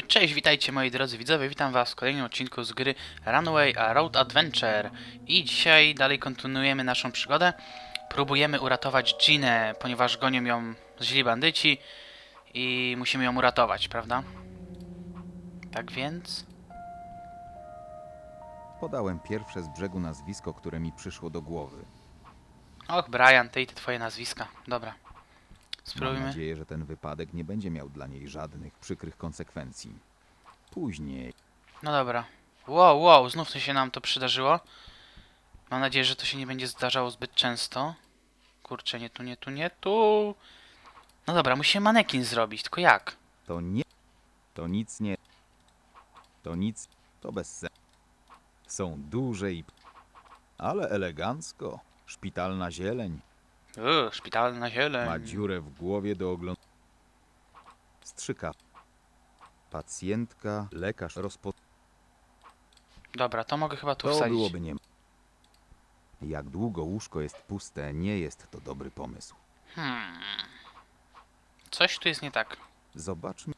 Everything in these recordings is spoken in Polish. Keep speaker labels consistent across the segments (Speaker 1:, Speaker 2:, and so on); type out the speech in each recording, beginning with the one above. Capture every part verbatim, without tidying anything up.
Speaker 1: Cześć, witajcie moi drodzy widzowie, witam was w kolejnym odcinku z gry Runaway A Road Adventure. I dzisiaj dalej kontynuujemy naszą przygodę. Próbujemy uratować Ginę, ponieważ gonią ją źli bandyci i musimy ją uratować, prawda? Tak więc...
Speaker 2: Podałem pierwsze z brzegu nazwisko, które mi przyszło do głowy.
Speaker 1: Och, Brian, ty i te twoje nazwiska. Dobra.
Speaker 2: Mam
Speaker 1: Spróbujmy.
Speaker 2: nadzieję, że ten wypadek nie będzie miał dla niej żadnych przykrych konsekwencji. Później
Speaker 1: No dobra. Wow, wow, znów to się nam to przydarzyło. Mam nadzieję, że to się nie będzie zdarzało zbyt często. Kurczę, nie tu, nie tu, nie tu. No dobra, musimy manekin zrobić, tylko jak?
Speaker 2: to nie... To nic nie... To nic... To bez sensu. Są duże i... Ale elegancko. Szpitalna zieleń.
Speaker 1: Uuu, szpitalna zieleń.
Speaker 2: Ma dziurę w głowie do oglądania. Strzyka. Pacjentka, lekarz rozpo...
Speaker 1: Dobra, to mogę chyba tu
Speaker 2: To
Speaker 1: wsadzić.
Speaker 2: byłoby nie... Jak długo łóżko jest puste, nie jest to dobry pomysł.
Speaker 1: Hmm. Coś tu jest nie tak.
Speaker 2: Zobaczmy.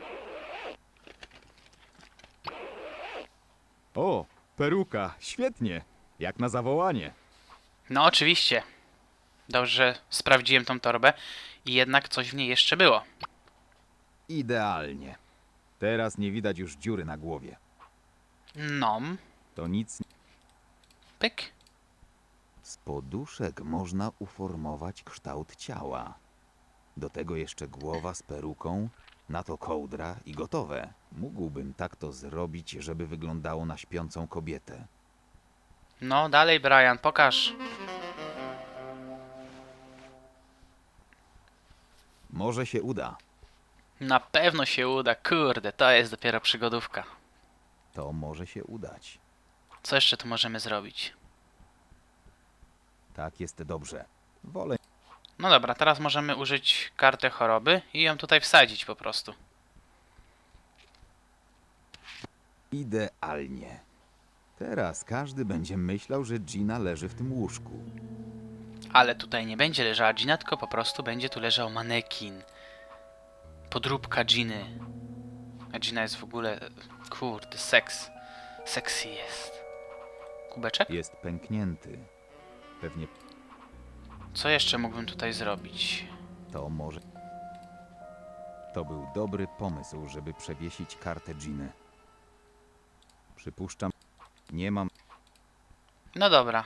Speaker 2: O, peruka, świetnie. Jak na zawołanie.
Speaker 1: No oczywiście. Dobrze, że sprawdziłem tą torbę i jednak coś w niej jeszcze było.
Speaker 2: Idealnie. Teraz nie widać już dziury na głowie.
Speaker 1: Nom.
Speaker 2: To nic.
Speaker 1: Pyk.
Speaker 2: Z poduszek można uformować kształt ciała. Do tego jeszcze głowa z peruką, na to kołdra i gotowe. Mógłbym tak to zrobić, żeby wyglądało na śpiącą kobietę.
Speaker 1: No dalej, Brian, pokaż.
Speaker 2: Może się uda.
Speaker 1: Na pewno się uda. Kurde, to jest dopiero przygodówka.
Speaker 2: To może się udać.
Speaker 1: Co jeszcze tu możemy zrobić?
Speaker 2: Tak jest dobrze. Wolę.
Speaker 1: No dobra, teraz możemy użyć karty choroby i ją tutaj wsadzić po prostu.
Speaker 2: Idealnie. Teraz każdy będzie myślał, że Gina leży w tym łóżku.
Speaker 1: Ale tutaj nie będzie leżała Gina, tylko po prostu będzie tu leżał manekin. Podróbka Giny. A Gina jest w ogóle... Kurde, seks. Sexy jest. Kubeczek?
Speaker 2: Jest pęknięty. Pewnie
Speaker 1: Co jeszcze mógłbym tutaj zrobić?
Speaker 2: to może... To był dobry pomysł, żeby przewiesić kartę Giny. Przypuszczam... Nie mam...
Speaker 1: No dobra.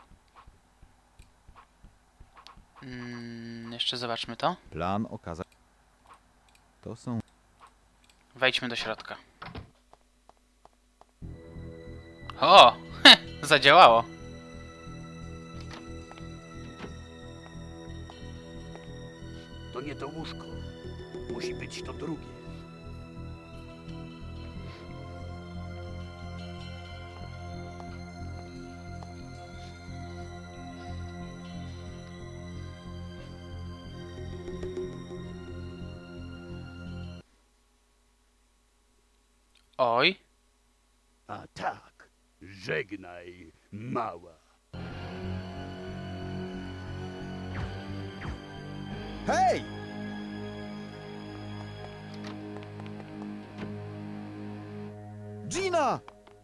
Speaker 1: Mm, jeszcze zobaczmy to.
Speaker 2: Plan okazał... To są...
Speaker 1: Wejdźmy do środka. O! Heh, zadziałało.
Speaker 3: To nie to łóżko. Musi być to drugie.
Speaker 1: Oj.
Speaker 3: A tak, żegnaj, mała.
Speaker 2: Hej! Gina!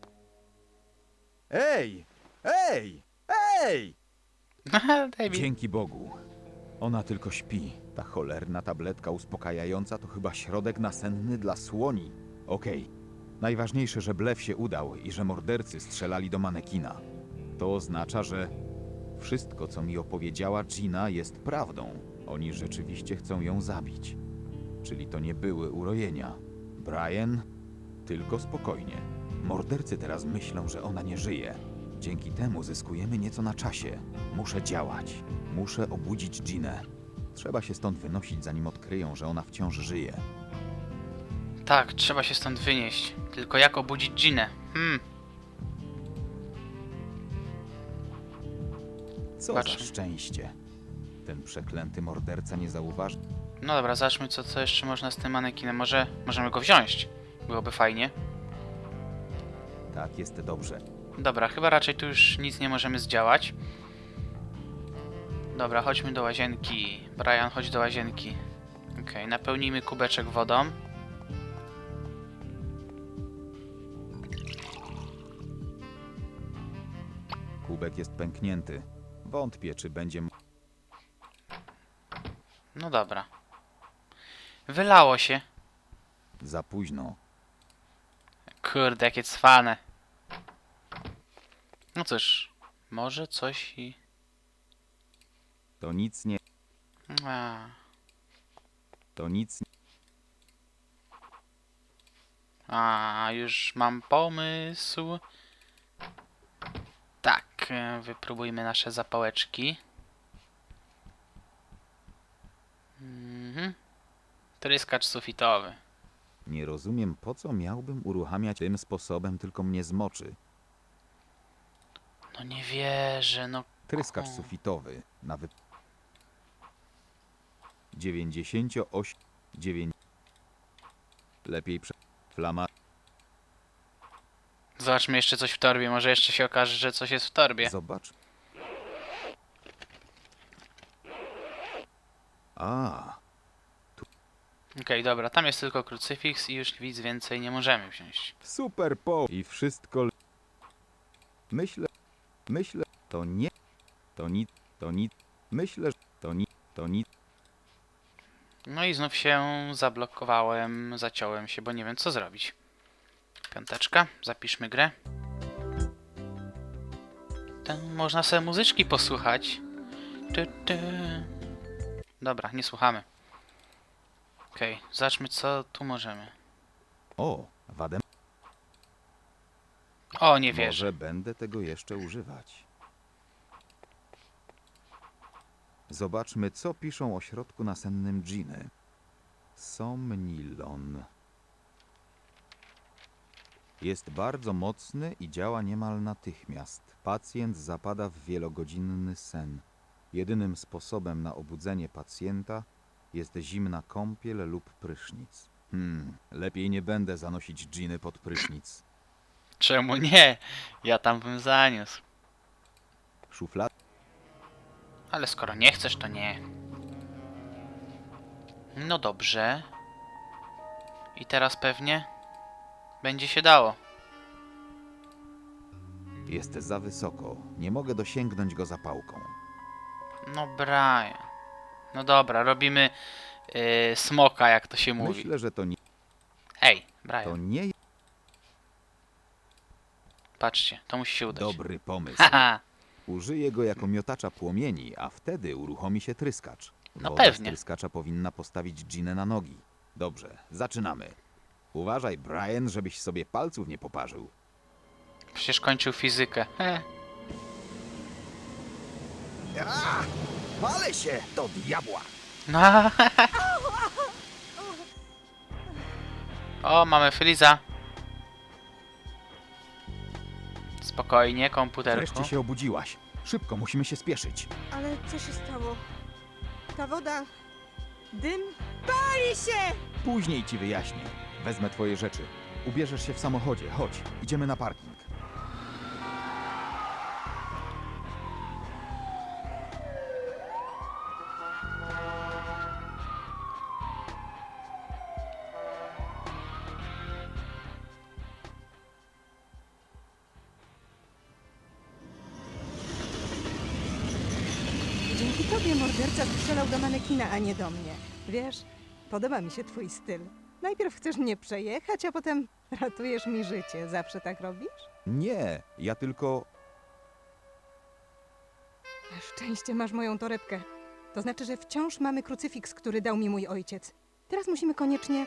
Speaker 2: Ej! Ej! Ej!
Speaker 1: David.
Speaker 2: Dzięki Bogu. Ona tylko śpi. Ta cholerna tabletka uspokajająca to chyba środek nasenny dla słoni. Okej. Najważniejsze, że blef się udał i że mordercy strzelali do manekina. To oznacza, że wszystko, co mi opowiedziała Gina, jest prawdą. Oni rzeczywiście chcą ją zabić. Czyli to nie były urojenia. Brian, tylko spokojnie. Mordercy teraz myślą, że ona nie żyje. Dzięki temu zyskujemy nieco na czasie. Muszę działać. Muszę obudzić Ginę. Trzeba się stąd wynosić, zanim odkryją, że ona wciąż żyje.
Speaker 1: Tak, trzeba się stąd wynieść. Tylko jak obudzić Ginę? Hmm.
Speaker 2: Co
Speaker 1: Patrzmy.
Speaker 2: za szczęście. Ten przeklęty morderca nie zauważy.
Speaker 1: No dobra, zobaczmy co, co jeszcze można z tym manekinem. Może możemy go wziąć. Byłoby fajnie.
Speaker 2: Tak jest dobrze.
Speaker 1: Dobra, chyba raczej tu już nic nie możemy zdziałać. Dobra, chodźmy do łazienki. Brian, chodź do łazienki. Okej, napełnijmy kubeczek wodą.
Speaker 2: Śrubek jest pęknięty. Wątpię, czy będzie... m-
Speaker 1: No dobra. Wylało się.
Speaker 2: Za późno.
Speaker 1: Kurde, jakie cwane. No cóż, może coś i...
Speaker 2: To nic nie...
Speaker 1: A,
Speaker 2: To nic...
Speaker 1: a już mam pomysł. Tak, e, wypróbujmy nasze zapałeczki. Mhm. Tryskacz sufitowy.
Speaker 2: Nie rozumiem, po co miałbym uruchamiać tym sposobem, tylko mnie zmoczy.
Speaker 1: No nie wierzę, no.
Speaker 2: Tryskacz
Speaker 1: O.
Speaker 2: sufitowy na wy... dziewięćdziesiąt osiem... dziewięć... Lepiej prze... Flama...
Speaker 1: Zobaczmy jeszcze coś w torbie, może jeszcze się okaże, że coś jest w torbie.
Speaker 2: Zobacz. A,
Speaker 1: Okej, dobra, tam jest tylko krucyfiks i już nic więcej nie możemy wziąć.
Speaker 2: super po... I wszystko... l- Myślę... Myślę... To nie... To nic... To nic... Myślę, że... To nic... To nic...
Speaker 1: No i znów się zablokowałem, zaciąłem się, bo nie wiem co zrobić. Piąteczka, zapiszmy grę. Tam można sobie muzyczki posłuchać. Tu, tu. Dobra, nie słuchamy. Okej, zobaczmy co tu możemy.
Speaker 2: O, wadę...
Speaker 1: O, nie wierzę.
Speaker 2: Może będę tego jeszcze używać. Zobaczmy, co piszą o środku nasennym Giny. Somnilon. Jest bardzo mocny i działa niemal natychmiast. Pacjent zapada w wielogodzinny sen. Jedynym sposobem na obudzenie pacjenta jest zimna kąpiel lub prysznic. Hmm, lepiej nie będę zanosić Giny pod prysznic.
Speaker 1: Czemu nie? Ja tam bym zaniósł.
Speaker 2: Szuflad...
Speaker 1: Ale skoro nie chcesz, to nie. No dobrze. I teraz pewnie będzie się dało.
Speaker 2: Jest za wysoko. Nie mogę dosięgnąć go zapałką.
Speaker 1: No Brian. No dobra, robimy yy, smoka, jak to się mówi.
Speaker 2: Myślę, że to nie...
Speaker 1: Ej,
Speaker 2: To
Speaker 1: Brian,
Speaker 2: nie jest
Speaker 1: patrzcie, to musi się udać.
Speaker 2: dobry pomysł.
Speaker 1: Haha,
Speaker 2: Użyję go jako miotacza płomieni, a wtedy uruchomi się tryskacz.
Speaker 1: No
Speaker 2: Woda
Speaker 1: pewnie.
Speaker 2: z tryskacza powinna postawić Ginę na nogi. Dobrze, zaczynamy. Uważaj, Brian, żebyś sobie palców nie poparzył.
Speaker 1: przecież kończył fizykę. He.
Speaker 2: Palę się do diabła!
Speaker 1: No. O, mamy Friza. Spokojnie, komputerku.
Speaker 2: Wreszcie się obudziłaś. Szybko, musimy się spieszyć.
Speaker 4: Ale co się stało? Ta woda... Dym? Pali się!
Speaker 2: Później ci wyjaśnię. Wezmę twoje rzeczy. Ubierzesz się w samochodzie. Chodź, idziemy na parking.
Speaker 4: Dzięki tobie morderca strzelał do manekina, a nie do mnie. Wiesz, podoba mi się twój styl. Najpierw chcesz mnie przejechać, a potem ratujesz mi życie. Zawsze tak robisz?
Speaker 2: Nie, ja tylko...
Speaker 4: Na szczęście masz moją torebkę. To znaczy, że wciąż mamy krucyfiks, który dał mi mój ojciec. Teraz musimy koniecznie...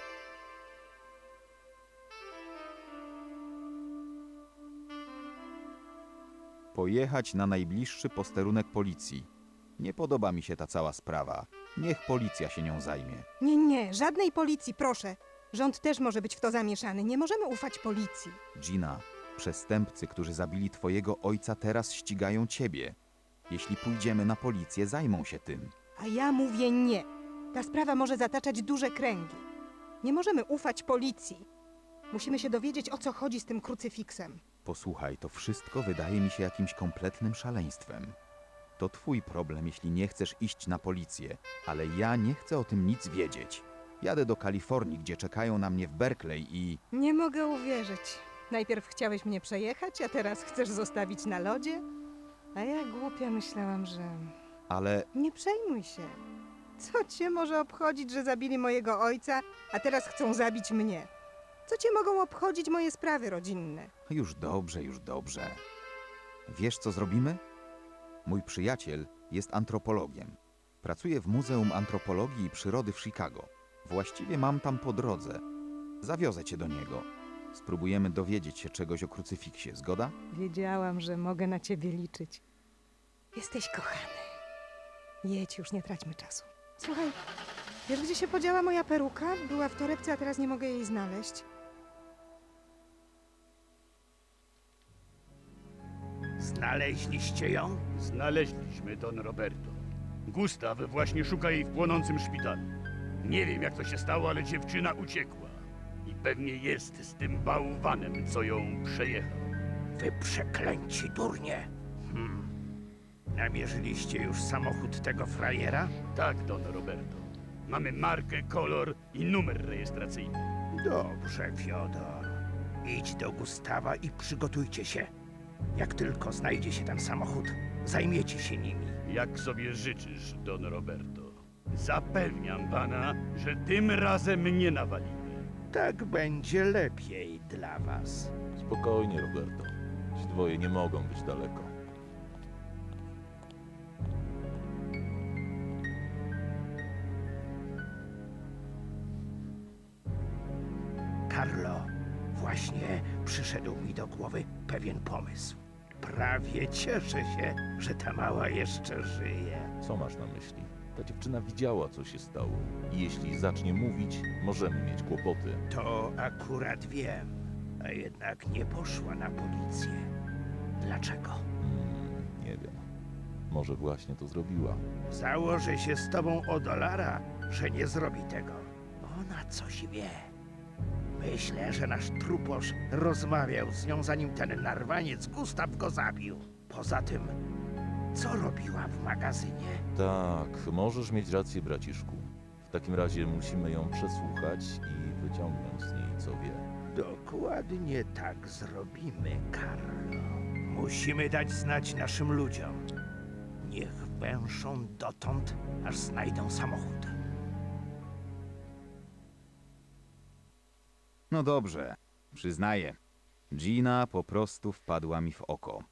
Speaker 2: Pojechać na najbliższy posterunek policji. Nie podoba mi się ta cała sprawa. Niech policja się nią zajmie.
Speaker 4: Nie, nie, żadnej policji, proszę. Rząd też może być w to zamieszany. Nie możemy ufać policji.
Speaker 2: Gina, przestępcy, którzy zabili twojego ojca, teraz ścigają ciebie. Jeśli pójdziemy na policję, zajmą się tym.
Speaker 4: A ja mówię nie. Ta sprawa może zataczać duże kręgi. Nie możemy ufać policji. Musimy się dowiedzieć, o co chodzi z tym krucyfiksem.
Speaker 2: Posłuchaj, to wszystko wydaje mi się jakimś kompletnym szaleństwem. To twój problem, jeśli nie chcesz iść na policję, ale ja nie chcę o tym nic wiedzieć. Jadę do Kalifornii, gdzie czekają na mnie w Berkeley i...
Speaker 4: Nie mogę uwierzyć. Najpierw chciałeś mnie przejechać, a teraz chcesz zostawić na lodzie? A ja głupia myślałam, że...
Speaker 2: Ale
Speaker 4: Nie przejmuj się. Co cię może obchodzić, że zabili mojego ojca, a teraz chcą zabić mnie? Co cię mogą obchodzić moje sprawy rodzinne?
Speaker 2: już dobrze, już dobrze. Wiesz, co zrobimy? Mój przyjaciel jest antropologiem. Pracuje w Muzeum Antropologii i Przyrody w Chicago. Właściwie mam tam po drodze. Zawiozę cię do niego. Spróbujemy dowiedzieć się czegoś o krucyfiksie, zgoda?
Speaker 4: Wiedziałam, że mogę na ciebie liczyć. Jesteś kochany. Jedź, już nie traćmy czasu. Słuchaj, wiesz, gdzie się podziała moja peruka? Była w torebce, a teraz nie mogę jej znaleźć.
Speaker 3: Znaleźliście ją? Znaleźliśmy, Don Roberto. Gustaw właśnie szuka jej w płonącym szpitalu. Nie wiem, jak to się stało, ale dziewczyna uciekła. I pewnie jest z tym bałwanem, co ją przejechał.
Speaker 5: Wy przeklęci durnie. Hmm. Namierzyliście już samochód tego frajera?
Speaker 3: Tak, Don Roberto. Mamy markę, kolor i numer rejestracyjny.
Speaker 5: Dobrze, Fiodor. Idź do Gustawa i przygotujcie się. Jak tylko znajdzie się ten samochód, zajmiecie się nimi.
Speaker 3: Jak sobie życzysz, Don Roberto. Zapewniam pana, że tym razem nie nawalimy.
Speaker 5: Tak będzie lepiej dla was.
Speaker 6: Spokojnie, Roberto. Ci dwoje nie mogą być daleko.
Speaker 5: Carlo, właśnie przyszedł mi do głowy pewien pomysł. Prawie cieszę się, że ta mała jeszcze żyje.
Speaker 6: Co masz na myśli? Ta dziewczyna widziała, co się stało. I jeśli zacznie mówić, możemy mieć kłopoty.
Speaker 5: To akurat wiem, a jednak nie poszła na policję. Dlaczego?
Speaker 6: Hmm, nie wiem. Może właśnie to zrobiła.
Speaker 5: Założę się z tobą o dolara, że nie zrobi tego. Ona coś wie. Myślę, że nasz truposz rozmawiał z nią, zanim ten narwaniec Gustaw go zabił. Poza tym, co robiła w magazynie?
Speaker 6: Tak, możesz mieć rację, braciszku. W takim razie musimy ją przesłuchać i wyciągnąć z niej, co wie.
Speaker 5: Dokładnie tak zrobimy, Carlo. Musimy dać znać naszym ludziom. Niech węszą dotąd, aż znajdą samochód.
Speaker 2: No dobrze, przyznaję. Gina po prostu wpadła mi w oko.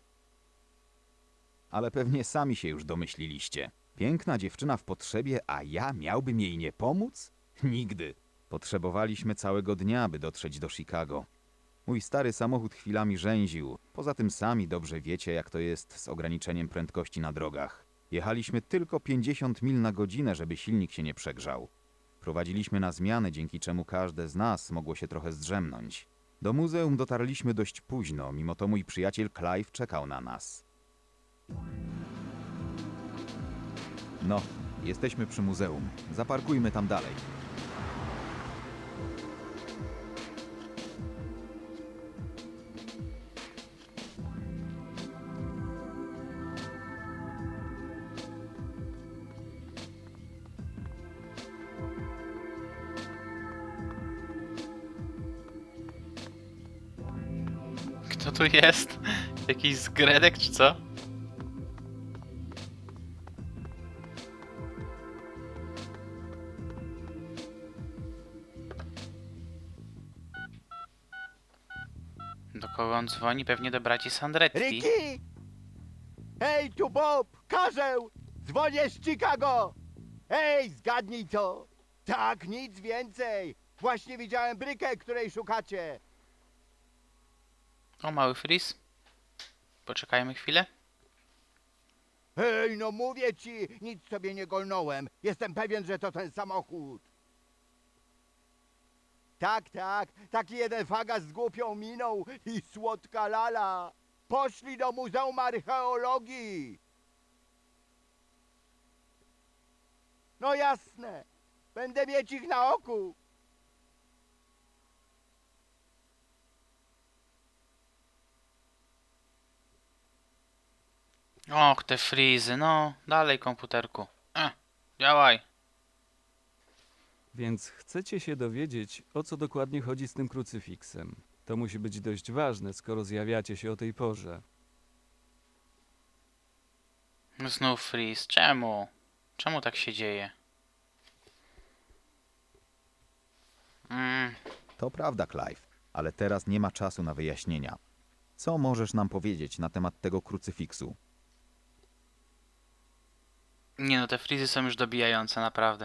Speaker 2: Ale pewnie sami się już domyśliliście. Piękna dziewczyna w potrzebie, a ja miałbym jej nie pomóc? Nigdy. Potrzebowaliśmy całego dnia, by dotrzeć do Chicago. Mój stary samochód chwilami rzęził. Poza tym sami dobrze wiecie, jak to jest z ograniczeniem prędkości na drogach. Jechaliśmy tylko pięćdziesiąt mil na godzinę, żeby silnik się nie przegrzał. Prowadziliśmy na zmiany, dzięki czemu każde z nas mogło się trochę zdrzemnąć. Do muzeum dotarliśmy dość późno, mimo to mój przyjaciel Clive czekał na nas. No, jesteśmy przy muzeum. Zaparkujmy tam dalej.
Speaker 1: Kto tu jest? Jakiś zgredek czy co? Do kogo on dzwoni? Pewnie do braci Sandretti.
Speaker 7: Ricky! Hej, tu Bob! Karzeł! Dzwonię z Chicago! Hej, zgadnij co? Tak, nic więcej! Właśnie widziałem brykę, której szukacie!
Speaker 1: O, mały Freeze. Poczekajmy chwilę.
Speaker 7: Hej, no mówię ci, nic sobie nie golnąłem. Jestem pewien, że to ten samochód. Tak, tak, taki jeden fagas z głupią miną i słodka lala. Poszli do Muzeum Archeologii. No jasne, będę mieć ich na oku.
Speaker 1: Och, te frizy, no. Dalej, komputerku. E, działaj.
Speaker 8: Więc chcecie się dowiedzieć, o co dokładnie chodzi z tym krucyfiksem. To musi być dość ważne, skoro zjawiacie się o tej porze.
Speaker 1: Znów freeze. Czemu? Czemu tak się dzieje? Mm,
Speaker 2: To prawda, Clive, ale teraz nie ma czasu na wyjaśnienia. Co możesz nam powiedzieć na temat tego krucyfiksu?
Speaker 1: nie no, te freezy są już dobijające, naprawdę.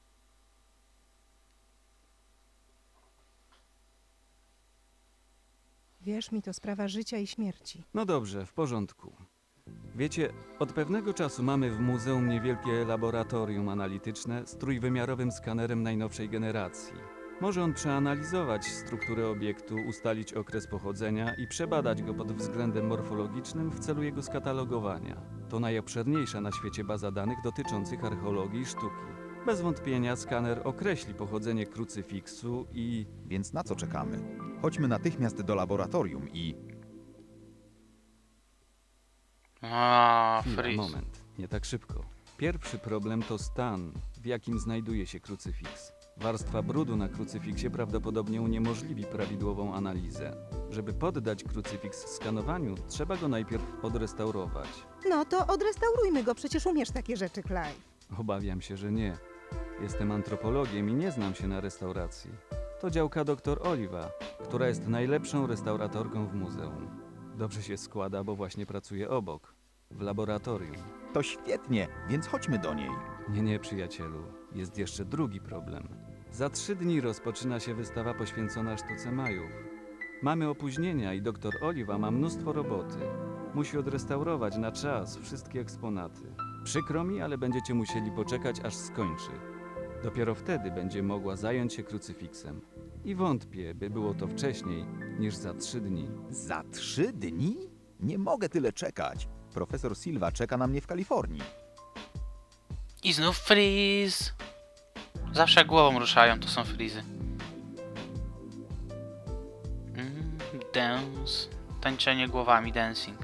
Speaker 4: Wierz mi, to sprawa życia i śmierci.
Speaker 8: No dobrze, w porządku. Wiecie, od pewnego czasu mamy w muzeum niewielkie laboratorium analityczne z trójwymiarowym skanerem najnowszej generacji. Może on przeanalizować strukturę obiektu, ustalić okres pochodzenia i przebadać go pod względem morfologicznym w celu jego skatalogowania. To najobszerniejsza na świecie baza danych dotyczących archeologii i sztuki. Bez wątpienia skaner określi pochodzenie krucyfiksu i...
Speaker 2: Więc na co czekamy? Chodźmy natychmiast do laboratorium i...
Speaker 1: A,
Speaker 8: Chwila,
Speaker 1: freeze.
Speaker 8: moment, nie tak szybko. Pierwszy problem to stan, w jakim znajduje się krucyfiks. Warstwa brudu na krucyfiksie prawdopodobnie uniemożliwi prawidłową analizę. Żeby poddać krucyfiks skanowaniu, trzeba go najpierw odrestaurować.
Speaker 4: No to odrestaurujmy go, przecież umiesz takie rzeczy, Clive.
Speaker 8: Obawiam się, że nie. Jestem antropologiem i nie znam się na restauracji. To działka doktor Oliva, która jest najlepszą restauratorką w muzeum. Dobrze się składa, bo właśnie pracuje obok, w laboratorium.
Speaker 2: To świetnie, więc chodźmy do niej.
Speaker 8: Nie, nie, przyjacielu. Jest jeszcze drugi problem. Za trzy dni rozpoczyna się wystawa poświęcona sztuce Majów. Mamy opóźnienia i doktor Oliva ma mnóstwo roboty. Musi odrestaurować na czas wszystkie eksponaty. Przykro mi, ale będziecie musieli poczekać, aż skończy. Dopiero wtedy będzie mogła zająć się krucyfiksem. I wątpię, by było to wcześniej niż za trzy dni.
Speaker 2: Za trzy dni? Nie mogę tyle czekać. Profesor Silva czeka na mnie w Kalifornii.
Speaker 1: I znów freeze. Zawsze jak głową ruszają, to są freezy. Mm, dance. Tańczenie głowami, dancing.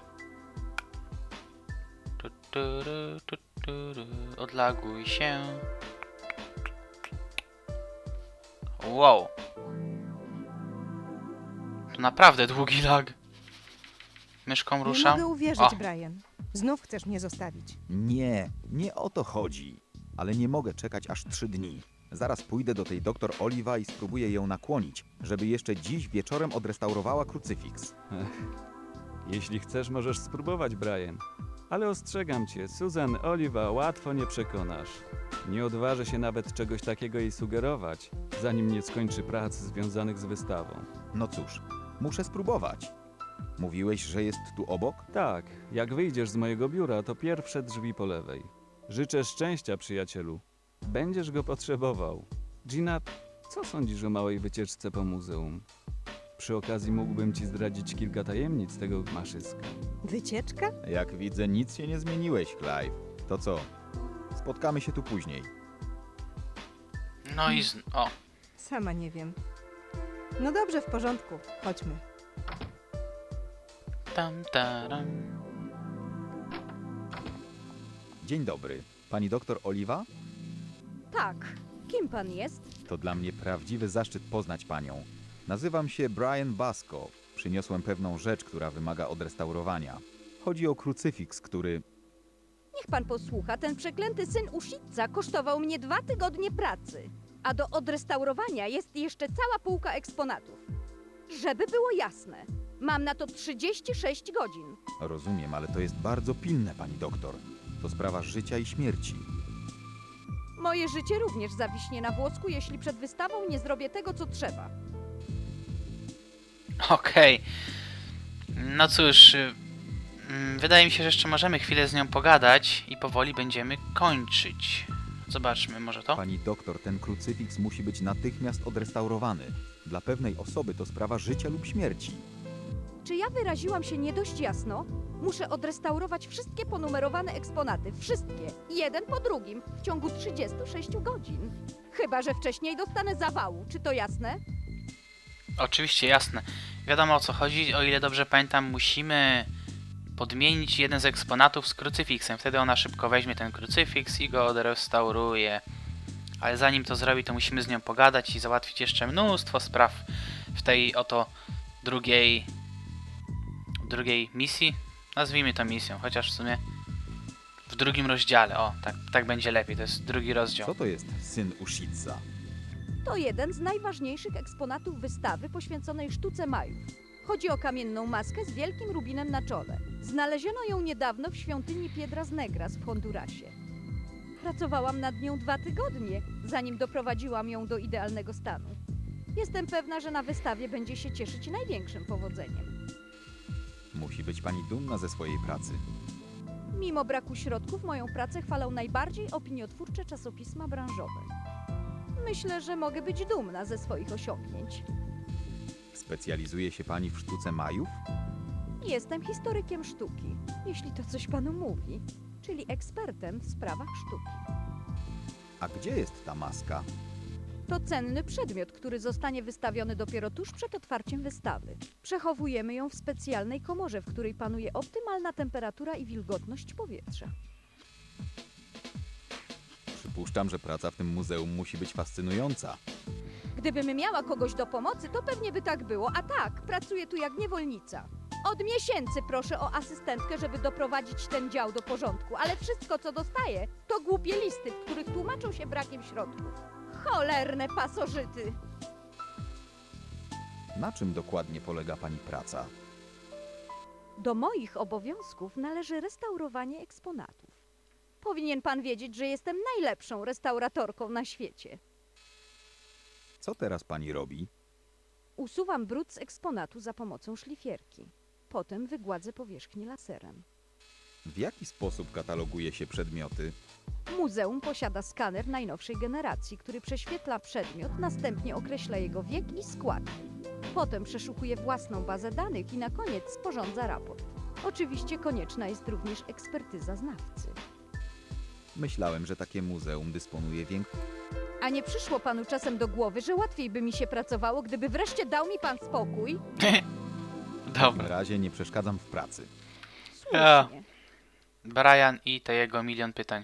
Speaker 1: Tu, tu, ru, tu, tu, ru. Odlaguj się. Wow. To naprawdę długi lag. Myszką
Speaker 4: Nie
Speaker 1: ruszam.
Speaker 4: mogę uwierzyć,
Speaker 1: O.
Speaker 4: Brian. Znów chcesz mnie zostawić.
Speaker 2: Nie, nie o to chodzi. Ale nie mogę czekać aż trzy dni. Zaraz pójdę do tej doktor Oliva i spróbuję ją nakłonić, żeby jeszcze dziś wieczorem odrestaurowała krucyfiks.
Speaker 8: Jeśli chcesz, możesz spróbować, Brian. Ale ostrzegam cię, Susan Oliva łatwo nie przekonasz. Nie odważę się nawet czegoś takiego jej sugerować, zanim nie skończy prac związanych z wystawą.
Speaker 2: No cóż, muszę spróbować. Mówiłeś, że jest tu obok?
Speaker 8: Tak, jak wyjdziesz z mojego biura, to pierwsze drzwi po lewej. Życzę szczęścia, przyjacielu. Będziesz go potrzebował. Gina, co sądzisz o małej wycieczce po muzeum? Przy okazji mógłbym ci zdradzić kilka tajemnic tego maszyska.
Speaker 4: Wycieczka?
Speaker 2: Jak widzę, nic się nie zmieniłeś, Clive. To co? Spotkamy się tu później.
Speaker 1: No i z... O.
Speaker 4: Sama nie wiem. No dobrze, w porządku. Chodźmy.
Speaker 1: Tam, taram.
Speaker 2: Dzień dobry. Pani doktor Oliva?
Speaker 9: Tak. Kim pan jest?
Speaker 2: To dla mnie prawdziwy zaszczyt poznać panią. Nazywam się Brian Basco. Przyniosłem pewną rzecz, która wymaga odrestaurowania. Chodzi o krucyfiks, który...
Speaker 9: Niech pan posłucha, ten przeklęty syn Ushitza kosztował mnie dwa tygodnie pracy. A do odrestaurowania jest jeszcze cała półka eksponatów. Żeby było jasne, mam na to trzydzieści sześć godzin.
Speaker 2: Rozumiem, ale to jest bardzo pilne, pani doktor. To sprawa życia i śmierci.
Speaker 9: Moje życie również zawiśnie na włosku, jeśli przed wystawą nie zrobię tego, co trzeba.
Speaker 1: Okej. No cóż, y, mm, wydaje mi się, że jeszcze możemy chwilę z nią pogadać i powoli będziemy kończyć. Zobaczmy, może to?
Speaker 2: Pani doktor, ten krucyfiks musi być natychmiast odrestaurowany. Dla pewnej osoby to sprawa życia lub śmierci.
Speaker 9: Czy ja wyraziłam się nie dość jasno? Muszę odrestaurować wszystkie ponumerowane eksponaty. Wszystkie. Jeden po drugim. W ciągu trzydziestu sześciu godzin. Chyba że wcześniej dostanę zawału. Czy to jasne?
Speaker 1: Oczywiście, jasne. Wiadomo o co chodzi. O ile dobrze pamiętam, musimy podmienić jeden z eksponatów z krucyfiksem. Wtedy ona szybko weźmie ten krucyfiks i go odrestauruje. Ale zanim to zrobi, to musimy z nią pogadać i załatwić jeszcze mnóstwo spraw w tej oto drugiej drugiej misji. Nazwijmy to misją, chociaż w sumie W drugim rozdziale, o, tak, tak będzie lepiej, to jest drugi rozdział.
Speaker 2: Co to jest syn Ushitsa?
Speaker 9: To jeden z najważniejszych eksponatów wystawy poświęconej sztuce Majów. Chodzi o kamienną maskę z wielkim rubinem na czole. Znaleziono ją niedawno w świątyni Piedras Negras w Hondurasie. Pracowałam nad nią dwa tygodnie, zanim doprowadziłam ją do idealnego stanu. Jestem pewna, że na wystawie będzie się cieszyć największym powodzeniem.
Speaker 2: Musi być pani dumna ze swojej pracy.
Speaker 9: Mimo braku środków, moją pracę chwalą najbardziej opiniotwórcze czasopisma branżowe. Myślę, że mogę być dumna ze swoich osiągnięć.
Speaker 2: Specjalizuje się pani w sztuce Majów?
Speaker 9: Jestem historykiem sztuki, jeśli to coś panu mówi, czyli ekspertem w sprawach sztuki.
Speaker 2: A gdzie jest ta maska?
Speaker 9: To cenny przedmiot, który zostanie wystawiony dopiero tuż przed otwarciem wystawy. Przechowujemy ją w specjalnej komorze, w której panuje optymalna temperatura i wilgotność powietrza.
Speaker 2: Przypuszczam, że praca w tym muzeum musi być fascynująca.
Speaker 9: Gdybym miała kogoś do pomocy, to pewnie by tak było, a tak, pracuję tu jak niewolnica. Od miesięcy proszę o asystentkę, żeby doprowadzić ten dział do porządku, ale wszystko, co dostaję, to głupie listy, w których tłumaczą się brakiem środków. Cholerne pasożyty!
Speaker 2: Na czym dokładnie polega pani praca?
Speaker 9: Do moich obowiązków należy restaurowanie eksponatów. Powinien pan wiedzieć, że jestem najlepszą restauratorką na świecie.
Speaker 2: Co teraz pani robi?
Speaker 9: Usuwam brud z eksponatu za pomocą szlifierki. Potem wygładzę powierzchnię laserem.
Speaker 2: W jaki sposób kataloguje się przedmioty?
Speaker 9: Muzeum posiada skaner najnowszej generacji, który prześwietla przedmiot, następnie określa jego wiek i składki. Potem przeszukuje własną bazę danych i na koniec sporządza raport. Oczywiście konieczna jest również ekspertyza znawcy.
Speaker 2: Myślałem, że takie muzeum dysponuje większą...
Speaker 9: A nie przyszło panu czasem do głowy, że łatwiej by mi się pracowało, gdyby wreszcie dał mi pan spokój?
Speaker 2: W
Speaker 1: Dobra.
Speaker 2: razie nie przeszkadzam w pracy.
Speaker 9: Słusznie.
Speaker 1: Brian i te jego milion pytań.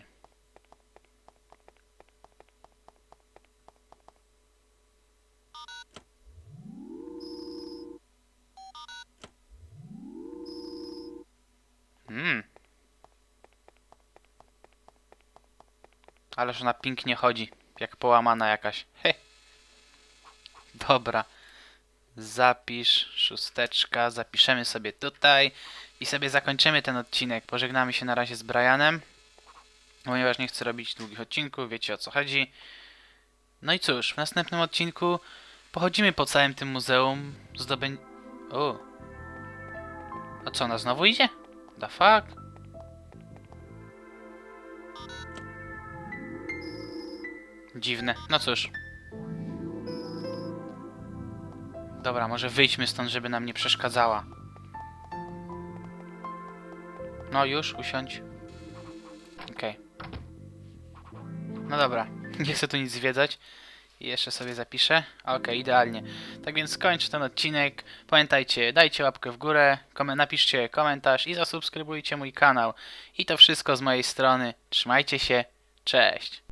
Speaker 1: Hmm. Ależ ona pięknie chodzi, jak połamana jakaś. He. Dobra. Zapisz, szósteczka, zapiszemy sobie tutaj i sobie zakończymy ten odcinek. Pożegnamy się na razie z Brianem, ponieważ nie chcę robić długich odcinków, wiecie o co chodzi. No i cóż, w następnym odcinku pochodzimy po całym tym muzeum, zdobę... O. A co, ona znowu idzie? The fuck? Dziwne, no cóż. Dobra, może wyjdźmy stąd, żeby nam nie przeszkadzała. No już, usiądź. Okej. No dobra, nie chcę tu nic zwiedzać. I jeszcze sobie zapiszę. Okej, idealnie. Tak więc kończę ten odcinek. Pamiętajcie, dajcie łapkę w górę, kom- napiszcie komentarz i zasubskrybujcie mój kanał. I to wszystko z mojej strony. Trzymajcie się, cześć!